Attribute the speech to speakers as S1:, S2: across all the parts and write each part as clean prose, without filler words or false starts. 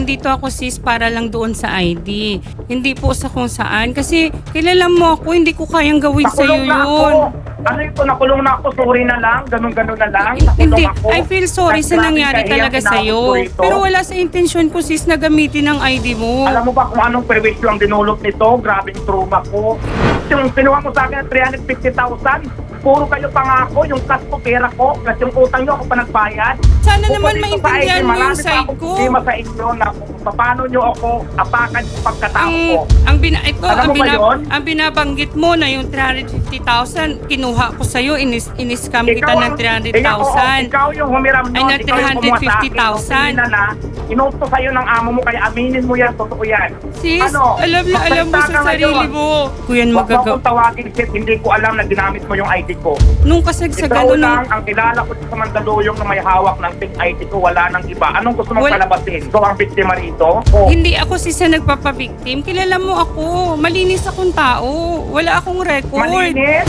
S1: nandito ako sis para lang doon sa ID. Hindi po sa kung saan. Kasi kilala mo ako, hindi ko kayang gawin sa iyo
S2: Nakulong na ako.
S1: yun.
S2: Ano ito? Nakulong na ako. Sorry na lang. Ganun-ganun na lang.
S1: Hindi,
S2: Nakulong ako.
S1: I feel sorry sa
S2: Grabe
S1: nangyari
S2: kahiyang
S1: talaga
S2: tinawag
S1: sa'yo.
S2: ko rito.
S1: Pero wala sa intensyon ko sis na gamitin ang ID mo.
S2: Alam mo ba kung anong perwisyo ang dinulot nito? Grabing trauma ko. Yung kinuha mo sa akin ng 350,000, puro kayo pangako, yung cash ko, pera ko, kasi yung utang nyo ako pa nagbayad.
S1: Sana
S2: Bukod
S1: naman
S2: dito sa
S1: maintindihan
S2: ID,
S1: mo yung
S2: marami pa
S1: side
S2: akong
S1: ko.
S2: problema sa inyo na kung paano nyo ako apakan yung pagkatao ko.
S1: Ito,
S2: Alam mo ba yun?
S1: ang binabanggit mo na yung 350,000, kinuha ko sa'yo, in-scam kita ng 300,000.
S2: Ikaw yung humiram
S1: Ay,
S2: nun,
S1: na
S2: ikaw yung kumuha sa akin.
S1: 350,000.
S2: Na, inuto sa'yo ng amo mo, kaya aminin mo yan, totoo yan.
S1: Sis,
S2: Ano?
S1: alam na alam mo
S2: Magsalita
S1: sa
S2: ka
S1: sarili
S2: ngayon.
S1: mo. Kuyan
S2: Huwag mo
S1: magagawa.
S2: akong tawagin, shit, hindi ko alam na ginamit mo yung ID ko.
S1: Nung kasagsagan
S2: Ikaw
S1: nung...
S2: lang ang kilala ko sa Mandaluyong na may hawak ng pink ID ko, wala nang iba. Anong gusto mong
S1: Wal-
S2: palabasin? Ikaw ang biktima rito? O,
S1: Hindi ako sis na nagpapabiktim. Kilala mo ako. Malinis akong tao. Wala akong record.
S2: malinis?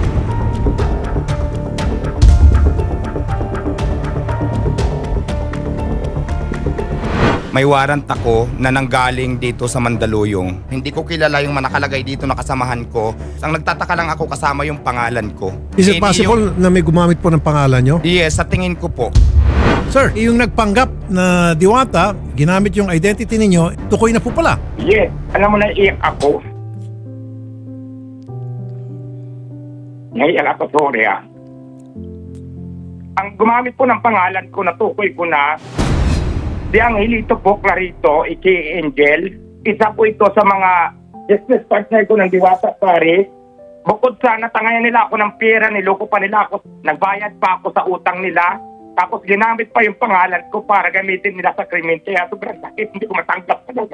S3: May warrant ako na nanggaling dito sa Mandaluyong. Hindi ko kilala yung nakalagay dito na kasamahan ko. Ang nagtataka lang ako kasama yung pangalan ko.
S4: Is it
S3: Hindi
S4: possible na may gumamit po ng pangalan nyo?
S3: Yes, sa tingin ko po.
S4: Sir, yung nagpanggap na Diwata, ginamit yung identity ninyo, tukoy na po pala.
S2: Yes. Alam mo na, iyak ako. Naiyak ako, sorry ah. Ang gumamit po ng pangalan ko, natukoy ko na, di Angelito po, Clarito, Angel. Isa po ito sa mga business partner ko ng Diwata Paris. Bukod sa natangayan nila ako ng pera, niloko pa nila ako, nagbayad pa ako sa utang nila. Tapos ginamit pa yung pangalan ko para gamitin nila sa krimen. Kaya sobrang sakit, hindi ko matanggap talaga.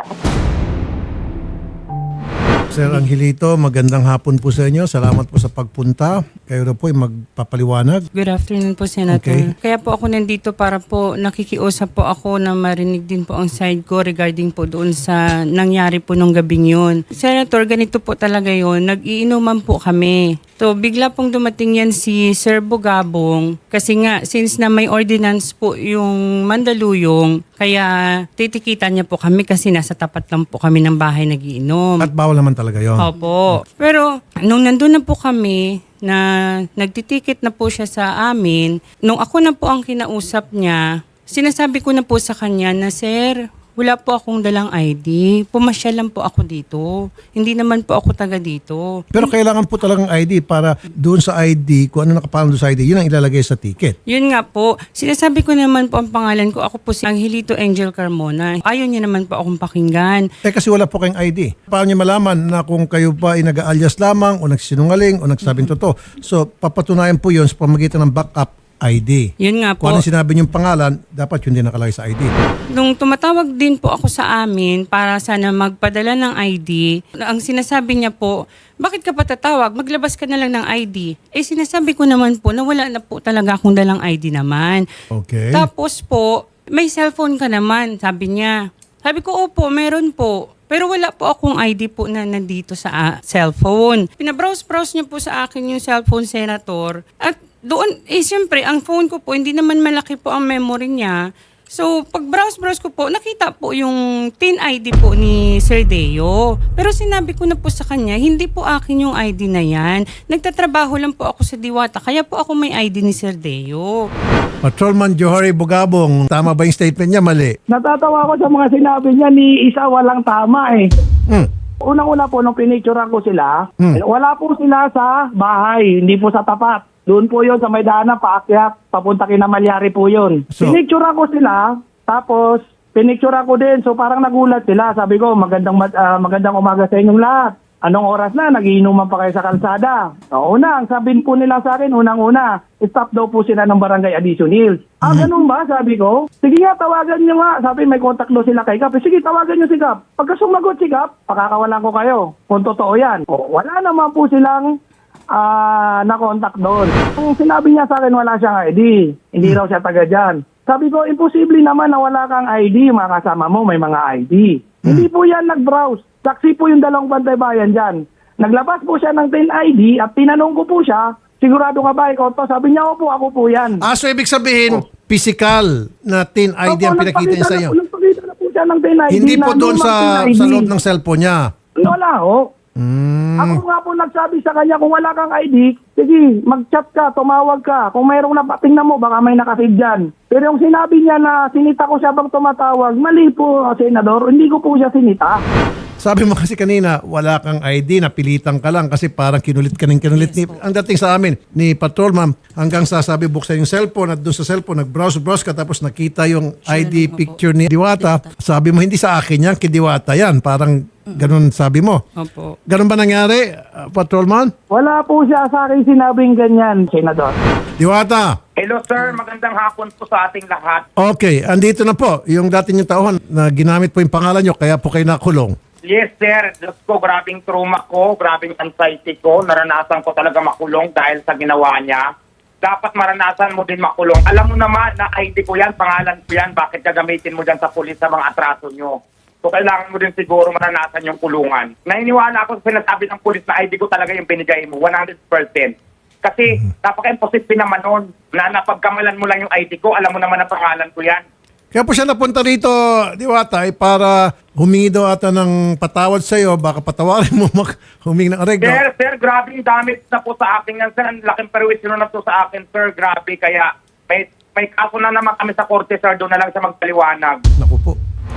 S4: Sir Angelito, magandang hapon po sa inyo. Salamat po sa pagpunta. Kayo na po ay magpapaliwanag.
S1: Good afternoon po, Senator.
S4: Okay.
S1: Kaya po ako nandito para po nakikiusap po ako na marinig din po ang side ko regarding po doon sa nangyari po nung gabing yun. Senator, ganito po talaga yun. Nag-iinuman po kami. So, bigla pong dumating yan si Sir Bugabong kasi nga, since na may ordinance po yung Mandaluyong, kaya titikitan niya po kami kasi nasa tapat lang po kami ng bahay nagiinom.
S4: At bawal naman talaga yon.
S1: Opo. Pero nung nandun na po kami na nagtitikit na po siya sa amin, nung ako na po ang kinausap niya, sinasabi ko na po sa kanya na, Sir, wala po akong dalang ID. Pumasyal lang po ako dito. Hindi naman po ako taga dito.
S4: Pero kailangan po talagang ID para doon sa ID, kung ano nakapangalan doon sa ID, yun ang ilalagay sa ticket.
S1: Yun nga po, sinasabi ko naman po ang pangalan ko. Ako po si Angelito Angel Carmona. Ayaw niya naman po akong pakinggan.
S4: Kasi wala po kayong ID. Paano niyo malaman na kung kayo ba ay nag-alias lamang o nagsinungaling o nagsabing totoo? So, papatunayan po yun sa pamagitan ng backup ID.
S1: Yun nga po.
S4: Kung ano sinabi niyong pangalan, dapat yun din nakalagay sa ID.
S1: Nung tumatawag din po ako sa amin para sana magpadala ng ID, ang sinasabi niya po, bakit ka pa tatawag? Maglabas ka na lang ng ID. Eh sinasabi ko naman po na wala na po talaga akong dalang ID naman.
S4: Okay.
S1: Tapos po, may cellphone ka naman, sabi niya. Sabi ko, opo, meron po. Pero wala po akong ID po na nandito sa cellphone. Pinabrowse-browse niya po sa akin yung cellphone, Senator. At doon, siyempre, ang phone ko po, hindi naman malaki po ang memory niya. So, pag browse ko po, nakita po yung TIN ID po ni Sir Deo. Pero sinabi ko na po sa kanya, hindi po akin yung ID na yan. Nagtatrabaho lang po ako sa Diwata, kaya po ako may ID ni Sir Deo.
S4: Patrolman Johari Bugabong, tama ba yung statement niya? Mali.
S5: Natatawa ko sa mga sinabi niya ni isa walang tama eh.
S4: Hmm.
S5: Unang-una po, nung pinicturean ko sila, wala po sila sa bahay, hindi po sa tapat. Doon po yun sa may daanan, paakyat, papunta kina Malyari po yun.
S4: So-
S5: Pinicturean ko sila, tapos pinicturean ko din, so parang nagulat sila. Sabi ko, magandang umaga sa inyong lahat. Anong oras na? Nagiinuman pa kayo sa kalsada. Ang sabihin po nila sa akin, unang-una, stop daw po sila ng barangay Addition Hills. Ganun ba? Sabi ko. Sige nga, tawagan nyo nga. Sabi, may contact daw sila kay Kap. Sige, tawagan nyo si Kap. Pagka sumagot si Kap, pakakawalan ko kayo. Kung totoo yan. Wala naman po silang na-contact doon. Kung sinabi niya sa akin, wala siyang ID. Hindi raw siya taga dyan. Sabi ko, imposible naman na wala kang ID. Mga kasama mo, may mga ID. Hindi po yan nag-browse. Saksi po yung dalawang bantay bayan dyan. Naglabas po siya ng 10 ID at tinanong ko po siya, sigurado ka ba ikaw to? Sabi niya, opo, ako po yan.
S4: So ibig sabihin, physical na TIN ID ang pinakita niya sa iyo.
S5: Nagpakita na po siya ng PIN ID.
S4: Hindi po
S5: na
S4: doon
S5: lumang
S4: sa,
S5: PIN ID.
S4: sa loob ng cellphone niya.
S5: Wala ho. Ako nga po nagsabi sa kanya, kung wala kang ID, sige, mag-chat ka, tumawag ka. Kung mayroong tingnan mo, baka may nakasave dyan. Pero yung sinabi niya na sinita ko siya bang tumatawag, mali po, Senador. Hindi ko po siya sinita.
S4: Sabi mo kasi kanina, wala kang ID, napilitan ka lang kasi parang kinulit ka ng kinulit. Ang dating sa amin, ni Patrolman, hanggang sasabi buksan yung cellphone at doon sa cellphone, nag-browse ka tapos nakita yung ID picture ni Diwata. Sabi mo, hindi sa akin yan, kay Diwata yan. Parang ganun sabi mo.
S1: Opo.
S4: Ganun ba nangyari, Patrolman?
S5: Wala po siya sa akin sinabing ganyan, Senador.
S4: Diwata,
S2: Hello sir, magandang hapon po sa ating lahat.
S4: okay, andito na po yung dati yung tauhan na ginamit po yung pangalan nyo, kaya po kayo nakulong.
S2: Yes sir, Diyos ko, grabing trauma ko, grabing anxiety ko, naranasan ko talaga makulong dahil sa ginawa niya. Dapat maranasan mo din makulong. Alam mo naman na ID ko yan, pangalan ko yan, bakit gagamitin mo dyan sa pulis sa mga atraso nyo? So kailangan mo din siguro maranasan yung kulungan. Naniniwala ako sa sinasabi ng pulis na ID ko talaga yung binigay mo, 100%. Kasi napaka-imposible naman nun na napagkamalan mo lang yung ID ko, alam mo naman na pangalan ko yan.
S4: Kaya po siya napunta rito, Diwata, ay para humingi daw ata ng patawad sa iyo, baka patawarin mo humingi ng areglo.
S2: Sir, grabe yung damage na po sa akin yan, sir. Ang laking perwisyon na po sa akin, sir. Grabe, kaya may kaso na naman kami sa korte, sir. Doon na lang siya magpaliwanag.
S4: Naku po.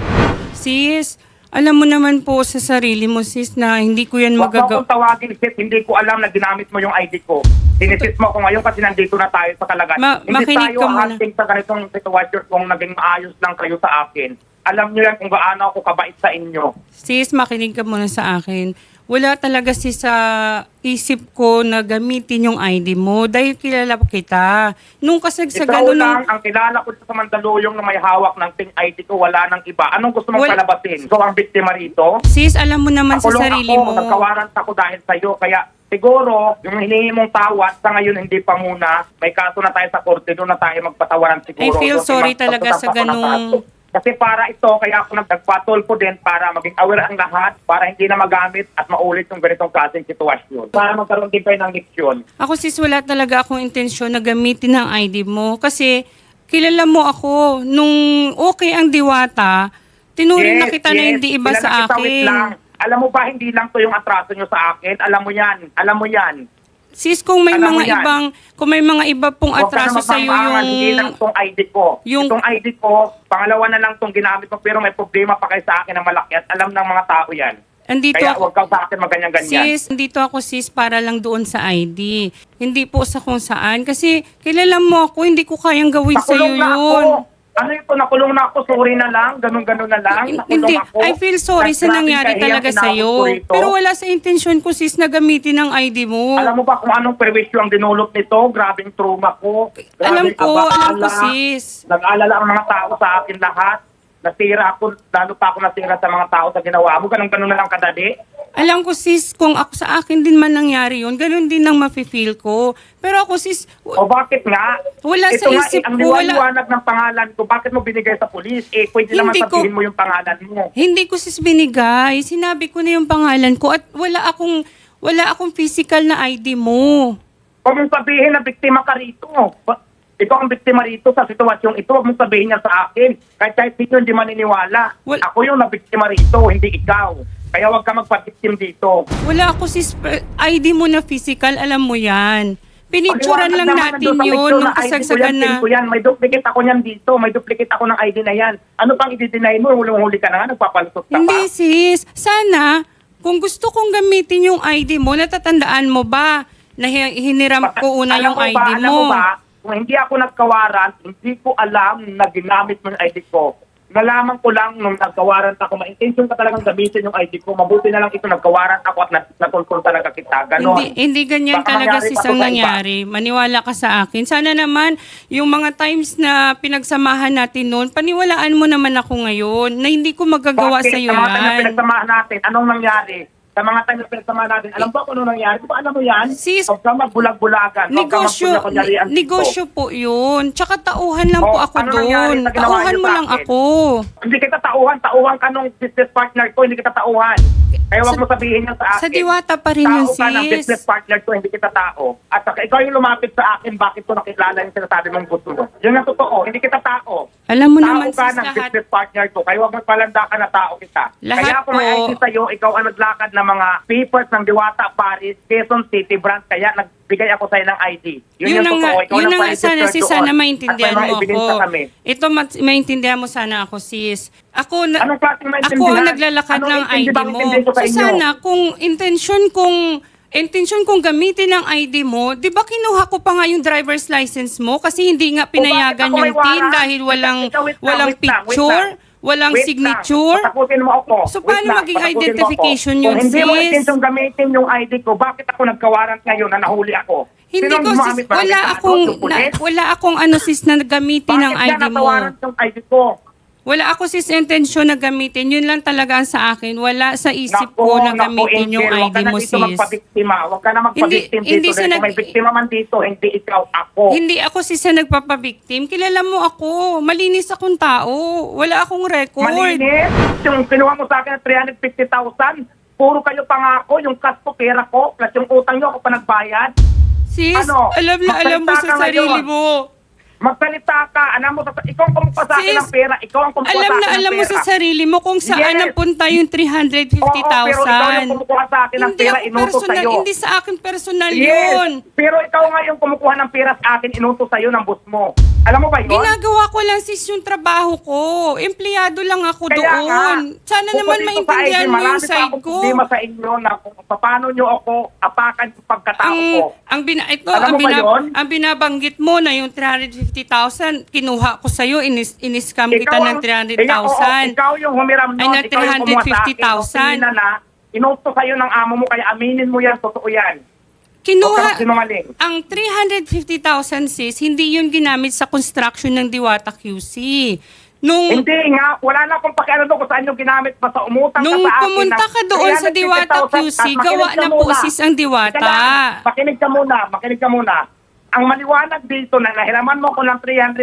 S1: Sis, alam mo naman po sa sarili mo, sis, na hindi ko yan
S2: Huwag mo
S1: magagawa.
S2: akong tawagin, sis. Hindi ko alam na ginamit mo yung ID ko. Sinisis mo ako ngayon kasi nandito na tayo sa kalagayan. Hindi
S1: makinig
S2: tayo
S1: ka muna.
S2: hunting sa ganitong sitwasyon kung naging maayos lang kayo sa akin. Alam niyo yan kung gaano ako kabait sa inyo.
S1: Sis, makinig ka muna sa akin. Wala talaga sis sa isip ko na gamitin yung ID mo dahil kilala kita. Nung kasagsagan
S2: Ikaw lang, ang kilala ko sa Mandaluyong na may hawak ng PIN ID ko, wala nang iba. Anong gusto mong palabasin? So, ang biktima rito?
S1: Sis, alam mo naman sa
S2: Nakulong
S1: sarili
S2: ako,
S1: mo.
S2: nagkawarant ako dahil sa'yo. Kaya siguro, yung hinihingi mong tawad, sa ngayon hindi pa muna. May kaso na tayo sa korte, doon na tayo magpatawaran siguro.
S1: I feel
S2: Doon,
S1: sorry talaga sa
S2: magtatampo na
S1: ganung-
S2: tayo. Kasi para ito, kaya ako nagpatulpo din para maging aware ang lahat, para hindi na magamit at maulit yung ganitong klaseng sitwasyon. Para magkaroon din kayo ng leksyon.
S1: Ako sis, wala talaga akong intensyon na gamitin ang ID mo kasi kilala mo ako. Nung okay ang Diwata, tinuring na kita na hindi iba
S2: Kilala
S1: sa
S2: kita, wait
S1: akin.
S2: lang. Alam mo ba, hindi lang to yung atraso nyo sa akin. Alam mo yan. Alam mo yan.
S1: Sis, kung may
S2: Alam mo
S1: mga
S2: yan.
S1: kung may mga iba pong
S2: Huwag ka
S1: atraso
S2: na
S1: sa iyo
S2: magmamaangan, hindi lang
S1: yung
S2: itong ID ko.
S1: yung-
S2: Itong ID ko, pangalawa na lang itong ginamit ko, pero may problema pa kayo sa akin na malaki at alam ng mga tao yan.
S1: andito
S2: Kaya
S1: ako.
S2: huwag ka sa akin maganyan-ganyan.
S1: Sis, nandito ako sis para lang doon sa ID. Hindi po sa kung saan. Kasi kilala mo ako, hindi ko kayang gawin sa iyo
S2: Nakulong na ako.
S1: yun.
S2: Ano ito? Nakulong na ako. Sorry na lang. Ganun-ganun na lang. Nakulong
S1: Hindi,
S2: ako.
S1: I feel sorry sa
S2: Grabe
S1: nangyari
S2: kahiyang
S1: talaga sa
S2: tinawag
S1: iyo.
S2: ko rito.
S1: Pero wala sa intensyon ko sis na gamitin ang ID mo.
S2: Alam mo ba kung anong perwisyo ang dinulot nito? Grabing trauma ko.
S1: Alam
S2: Grabing
S1: ko
S2: abala.
S1: sis.
S2: Nag-alala ang mga tao sa akin lahat. Nasira ako, lalo pa ako nasira sa mga tao sa ginawa mo. Ganun-ganun na lang kadali.
S1: Alam ko sis, kung ako sa akin din man nangyari yun, ganun din ang mafe-feel ko. Pero ako sis,
S2: O bakit nga?
S1: Wala
S2: Ito
S1: sa
S2: nga,
S1: isip
S2: ang
S1: ko, wala.
S2: liwanag ng pangalan ko. Bakit mo binigay sa pulis? Pwede naman
S1: Hindi ko-
S2: sabihin mo yung pangalan mo.
S1: hindi ko sis binigay. Sinabi ko na yung pangalan ko at wala akong physical na ID mo.
S2: Huwag mong sabihin na biktima ka rito. Ikaw ang biktima rito sa sitwasyong ito. Huwag mong sabihin niya sa akin. Kahit sino hindi maniniwala. Ako yung nabiktima rito, hindi ikaw. Kaya huwag ka magpa-victim dito.
S1: Wala ako sis, ID mo na physical, alam mo yan. Pinicturan
S2: Paliwanag
S1: lang
S2: naman
S1: natin
S2: nandun sa
S1: yun
S2: picture
S1: nung
S2: na ID ko
S1: kasagsagan
S2: yan,
S1: na.
S2: PIN ko yan. May duplicate ako niyan dito. May duplicate ako ng ID na yan. Ano pang i-deny mo? Huli ka na nga, nagpapalusot ka
S1: Hindi
S2: pa.
S1: sis, sana kung gusto kong gamitin yung ID mo, natatandaan mo ba na hiniram ko una yung ID
S2: Alam mo
S1: mo?
S2: ba, kung hindi ako nagkawaran, hindi ko alam na ginamit mo yung ID ko. Nalaman ko lang nung nagkawaran ako, ma-intention ka talagang gamitin yung ID ko. Mabuti na lang ito, nagkawaran ako at natulkol talaga kita. Ganon.
S1: Hindi ganyan
S2: Baka
S1: talaga
S2: mangyari
S1: sis
S2: pa to
S1: ang
S2: sa iba.
S1: nangyari. Maniwala ka sa akin. Sana naman yung mga times na pinagsamahan natin noon, paniwalaan mo naman ako ngayon na hindi ko magagawa
S2: Bakit?
S1: sa iyo
S2: Sa mga time na
S1: yan.
S2: pinagsamahan natin, anong nangyari? Sa mga time na pinagsamahan natin, alam ba kung ano nangyari? Di ba alam mo yan?
S1: Sis,
S2: Huwag ka magbulag-bulagan. Huwag ka magkunya-kunyarian dito.
S1: Negosyo po yun. Tsaka tauhan lang po ako
S2: ano nangyari
S1: doon.
S2: sa ginawa
S1: Tauhan
S2: niyo
S1: mo
S2: sa
S1: lang
S2: akin?
S1: ako.
S2: Hindi kita tauhan. Tauhan ka nung business partner ko, hindi kita tauhan. Kaya huwag mo sabihin yan sa akin.
S1: Sa Diwata pa rin yun,
S2: Tao ka ng
S1: sis.
S2: business partner ko, hindi kita tao. At saka ikaw yung lumapit sa akin, bakit ko nakilala yung sinasabi mong gusto mo. Yan ang totoo, hindi kita tao.
S1: Alam mo
S2: Tao
S1: naman
S2: ka
S1: sis,
S2: ng
S1: lahat,
S2: business partner ko. Kayo ang magpalanda ka na tao kita.
S1: Lahat
S2: Kaya ako may
S1: po.
S2: ID sa'yo, ikaw ang naglakad ng mga papers ng Diwata, Paris, Quezon City branch. Kaya nagbigay ako sa'yo ng ID. Yun yung totoo. Ikaw
S1: yun
S2: ang
S1: na nga sana
S2: pa-register
S1: sis,
S2: doon.
S1: sana
S2: At
S1: maintindihan
S2: may mga
S1: mo
S2: ebidensya
S1: ako.
S2: kami.
S1: Ito, maintindihan mo sana ako sis.
S2: Anong klaseng maintindihan?
S1: Ako ang naglalakad
S2: Anong
S1: ng
S2: intindi
S1: ID
S2: bang
S1: mo.
S2: intindi ko sa
S1: So
S2: inyo?
S1: sana kung intention kong gamitin ang ID mo, di ba kinuha ko pa nga yung driver's license mo kasi hindi nga pinayagan
S2: O, bakit ako may
S1: yung PIN
S2: warrant?
S1: dahil walang
S2: Ikaw, wait lang,
S1: walang
S2: wait lang, wait
S1: picture,
S2: lang.
S1: walang
S2: Wait
S1: signature.
S2: lang, patakutin mo ako.
S1: So,
S2: Wait
S1: paano
S2: lang,
S1: maging
S2: patakutin mo
S1: identification
S2: ako.
S1: yun,
S2: Kung hindi mo
S1: sis?
S2: intensyon gamitin yung ID ko, bakit ako nagkawarant ngayon na nahuli ako?
S1: Hindi
S2: Sinong
S1: ko sis,
S2: gumamit? Bakit yung pulis?
S1: wala akong ano sis na gamitin ang
S2: Bakit
S1: ID
S2: ka
S1: mo.
S2: natawarant yung ID ko?
S1: Wala ako sis intensyon na gamitin. Yun lang talaga ang sa akin. Wala sa isip ko na gamitin yung
S2: Angel,
S1: ID mo
S2: Huwag ka na dito
S1: sis.
S2: magpabiktima. Huwag ka na magpabiktim
S1: Hindi
S2: dito.
S1: siya
S2: Dahil kung may biktima man dito, hindi ikaw, ako.
S1: Hindi ako sis na nagpapabiktim. Kilala mo ako. Malinis akong tao. Wala akong record.
S2: Malinis. Yung kinuha mo sa akin ng 350,000, puro kayo pangako, yung cash ko, pera ko, plus yung utang nyo ako pa nagbayad.
S1: Sis,
S2: Ano?
S1: alam na alam mo
S2: Magsalita
S1: sa
S2: ka
S1: sarili
S2: ngayon.
S1: mo.
S2: Magsalita ka, alam mo, ikaw ang kumuha sa akin
S1: Sis,
S2: ng pera, ikaw ang kumuha sa akin ng pera.
S1: Alam mo sa sarili mo kung saan
S2: Yes.
S1: napunta yung 350,000.
S2: Oo, pero ikaw yung kumukuha sa akin ng
S1: Hindi
S2: pera,
S1: ako
S2: inutos
S1: personal,
S2: sa'yo.
S1: hindi sa akin personal
S2: Yes,
S1: yun.
S2: pero ikaw nga yung kumukuha ng pera sa akin, inutos sa'yo ng boss mo. Alam mo ba yun?
S1: Ginagawa ko lang sis yung trabaho ko. Empleyado lang ako
S2: Kaya
S1: doon.
S2: nga,
S1: Sana
S2: bukod
S1: naman
S2: dito sa
S1: maintindihan
S2: ID,
S1: mo yung
S2: marami pa
S1: side
S2: akong
S1: ko.
S2: problema sa inyo na kung paano nyo ako apakan yung pagkatao ko.
S1: Ang
S2: Alam mo ba yun?
S1: binabanggit mo na yung 350,000, kinuha ko sa'yo, in-scam kita ng 300,000.
S2: Ikaw yung humiram
S1: Ay,
S2: nun,
S1: na
S2: ikaw yung kumuha sa akin.
S1: 350,000.
S2: Na, inutos sa'yo ng amo mo, kaya aminin mo yan, totoo yan. Huwag
S1: Kinuha,
S2: kang sinungaling.
S1: ang 350,000 sis, hindi yun ginamit sa construction ng Diwata QC.
S2: Hindi nga, wala na akong pakialam doon kung saan yung ginamit pa sa umutang ka
S1: Nung
S2: sa akin.
S1: pumunta
S2: ng
S1: ka doon sa
S2: 350,000
S1: Diwata
S2: at
S1: QC,
S2: makinig
S1: gawa
S2: ka
S1: ng
S2: muna.
S1: pusis ang Diwata.
S2: Teka lang, makinig ka muna. Ang maliwanag dito na nahiraman mo ko ng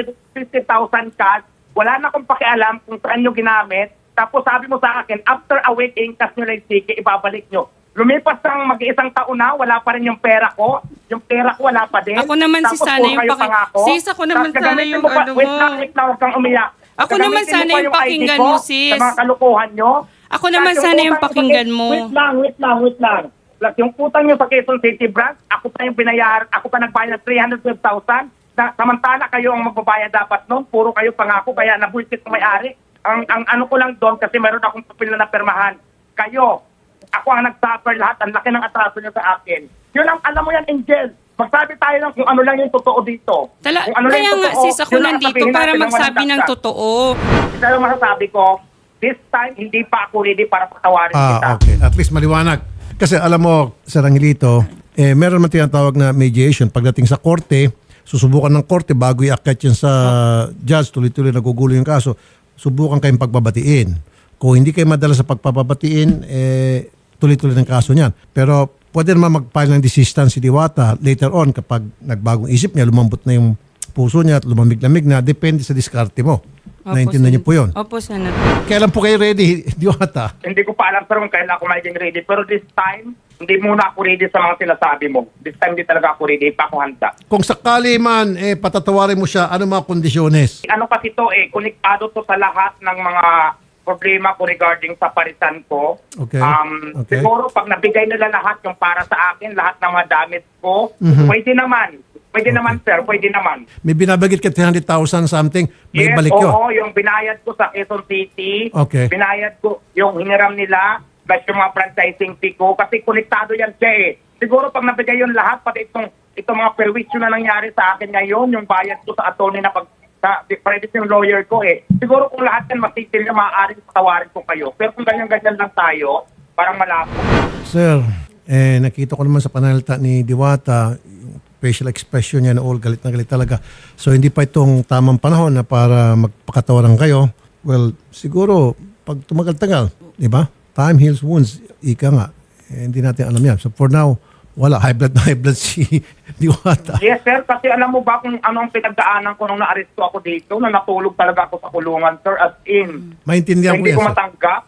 S2: 350,000 cash, wala na akong pakialam kung saan nyo ginamit. Tapos sabi mo sa akin, after a week, cash nyo lang sige, ibabalik nyo. Lumipas ng mag-iisang taon na, wala pa rin yung pera ko. Yung pera ko wala pa din.
S1: Ako naman si
S2: Tapos
S1: sana
S2: puro
S1: yung
S2: kayo pangako.
S1: Sis, ako naman
S2: Tapos
S1: sana
S2: gagamitin
S1: yung
S2: mo pa-
S1: ano
S2: Wait
S1: mo.
S2: lang, huwag kang umiyak.
S1: Ako
S2: Gagamitin
S1: naman sana
S2: mo pa
S1: yung
S2: ID
S1: pakinggan
S2: ko
S1: mo, sis.
S2: Sa mga kalukuhan nyo.
S1: Ako naman
S2: Plus
S1: sana yung
S2: utang nyo
S1: pakinggan
S2: sa-
S1: mo.
S2: Wait lang. Plus yung utang nyo sa Quezon City branch, ako pa yung binayar, ako pa nagbayad ng 312,000. Samantala kayo ang magbabayad dapat noon, puro kayo pangako, kaya nabuisit ng may-ari. Ang ano ko lang doon, kasi meron akong papel na permahan. Kayo, ako ang nag-suffer lahat, ang laki ng atraso nyo sa akin. Yun ang, alam mo yan, Angel. Magsabi tayo lang kung ano lang yung totoo dito. Kung ano lang
S1: Kaya
S2: yung
S1: nga
S2: totoo,
S1: sis, ako
S2: yun ang
S1: nandito
S2: sabihin
S1: para
S2: natin ng
S1: magsabi
S2: walang
S1: ng
S2: dagdag.
S1: totoo.
S2: Isa lang masasabi ko, this time, hindi pa ako ready para patawarin kita.
S4: Okay. At least maliwanag. Kasi alam mo, Sir Angelito, meron man tinatawag na mediation. Pagdating sa korte, susubukan ng korte bago iakyat yan sa judge, tuloy-tuloy nagugulo yung kaso, subukan kayong pagbabatiin. Kung hindi kayo madala sa pagpapabatiin, tuloy-tuloy ng kaso niyan. Pero pwede naman mag-file ng desistance si Diwata later on kapag nagbagong isip niya, lumambot na yung puso niya at lumamig-lamig na, depende sa diskarte mo. Naintindihan niyo po yun.
S1: Opo, Senator.
S4: Kailan po kayo ready, Diwata?
S2: Hindi ko pa alam sir kung kailan ako magiging ready. Pero this time, hindi muna ako ready sa mga sinasabi mo. This time, hindi talaga ako ready. Hindi pa ako handa.
S4: Kung sakali man, patatawarin mo siya, ano mga kondisyones?
S2: Ano kasi to konektado to sa lahat ng mga problema ko regarding sa parisan ko.
S4: Okay. Okay.
S2: Siguro pag nabigay nila lahat yung para sa akin, lahat ng mga damit ko,
S4: Mhm.
S2: pwede naman. Pwede naman sir, pwede naman.
S4: May binabagit ka 300,000 something, may
S2: Yes,
S4: balik yun.
S2: oo, yung binayad ko sa Quezon City,
S4: Okay.
S2: binayad ko yung hiniram nila, plus yung mga franchising fee ko, kasi konektado yan siya Siguro pag nabigay yun lahat, pati itong mga perwisyo na nangyari sa akin ngayon, yung bayad ko sa attorney na sa private yung lawyer ko Siguro kung lahat yan matitil na maaaring patawarin ko kayo. Pero kung ganyan-ganyan lang tayo, parang malabo.
S4: Sir, nakita ko naman sa panalita ni Diwata, yung facial expression niya na all galit na galit talaga. So hindi pa itong tamang panahon na para magpakatawaran kayo. Well, siguro pag tumagal-tagal, di ba? Time heals wounds, ika nga. Hindi natin alam yan. So for now, wala. High blood si Diwata.
S2: Yes, sir. Kasi alam mo ba kung ano ang pinagdaanan ko nung na-aresto ako dito, na natulog talaga ako sa kulungan, sir, as in.
S4: Maintindihan ko
S2: Hindi
S4: yan,
S2: ko
S4: sir.
S2: matanggap na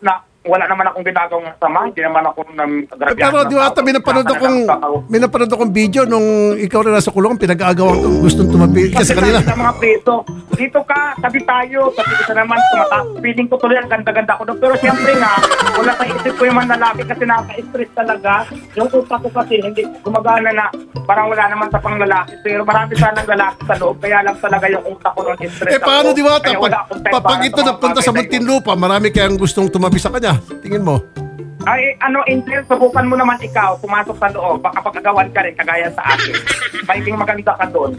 S2: wala naman akong ginagawang masama, hindi naman ako
S4: Pero Diwata, may napanood akong video nung ikaw na nasa kulungan, pinag-aagawan ko, gustong tumabi ka sa kanila.
S2: Sa mga preso, dito ka, tabi tayo, sabi ko sa naman, feeling ko tuloy ang ganda-ganda ko doon. Pero siyempre nga, wala sa isip ko yung manlalaki kasi naka-stress talaga. Yung utak ko kasi, hindi gumagana na, parang wala naman sa panglalaki. Pero marami sanang lalaki sa loob, kaya lang talaga yung utak ko nung stress
S4: Paano Diwata?
S2: Kaya wala akong time
S4: Pag
S2: para
S4: ito
S2: mga
S4: napunta sa
S2: bagay na
S4: Muntinlupa, marami kayang gustong tumabi sa kanya. Tingin mo?
S2: Ay, Angel, subukan mo naman ikaw, pumasok sa loob, baka pag-agawan ka rin, kagaya sa akin. Magiging maganda ka doon.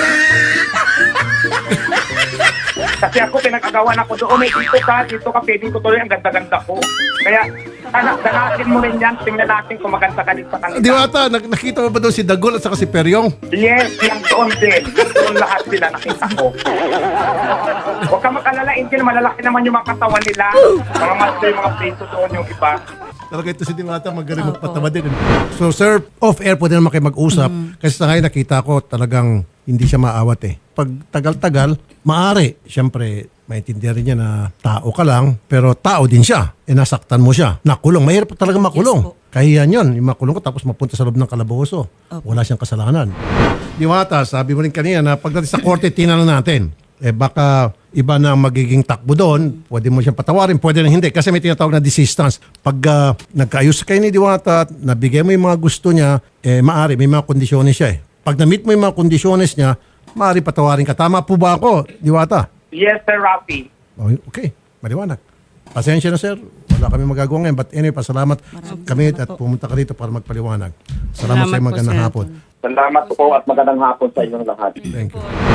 S2: Kasi ako, pinag-agawan ako doon, dito ka, pwedeng ko tuloy, ang ganda-ganda ko. Kaya, danatin mo rin yan, tingnan natin kung maganda ka din sa kanila.
S4: Diwata, nakita mo ba doon si Dagol at saka si Peryong?
S2: Yes, yung doon din. Doon lahat sila nakita ko. Huwag ka mag-alala, Angel, malalaki naman yung mga katawan nila. Mga master, mga preso doon yung iba.
S4: Talaga ito si Diwata, magaling magpatawa din. So sir, off-air po din naman kayo mag-usap. Kasi sa ngayon nakita ko talagang hindi siya maawat eh. Pag tagal-tagal, maaari. Siyempre, maintindihan rin niya na tao ka lang, pero tao din siya. E nasaktan mo siya. Nakulong. Mahirap talaga makulong.
S6: Yes po.
S4: Kahiyan yun. Yung makulong ko tapos mapunta sa loob ng kalaboso. Wala siyang kasalanan. Diwata, sabi mo rin kanina na pagdating sa korte, tinanong natin. Eh baka iba na ang magiging takbo doon, pwede mo siyang patawarin, pwede na hindi. Kasi may tinatawag na desistance. Pag nagkaayos kayo ni Diwata, nabigay mo yung mga gusto niya, maari, may mga kondisyones siya eh. Pag na-meet mo yung mga kondisyones niya, maari patawarin ka. Tama po ba ako, Diwata?
S2: Yes, Sir Rafi.
S4: Okay, maliwanag. Pasensya na sir, wala kami magagawa ngayon. But anyway, pasalamat kami at pumunta ka rito para magpaliwanag. Salamat sa iyo,
S1: Salamat po,
S4: magandang
S1: sir.
S4: hapon.
S2: Salamat po at magandang hapon sa inyong lahat.
S4: Thank you.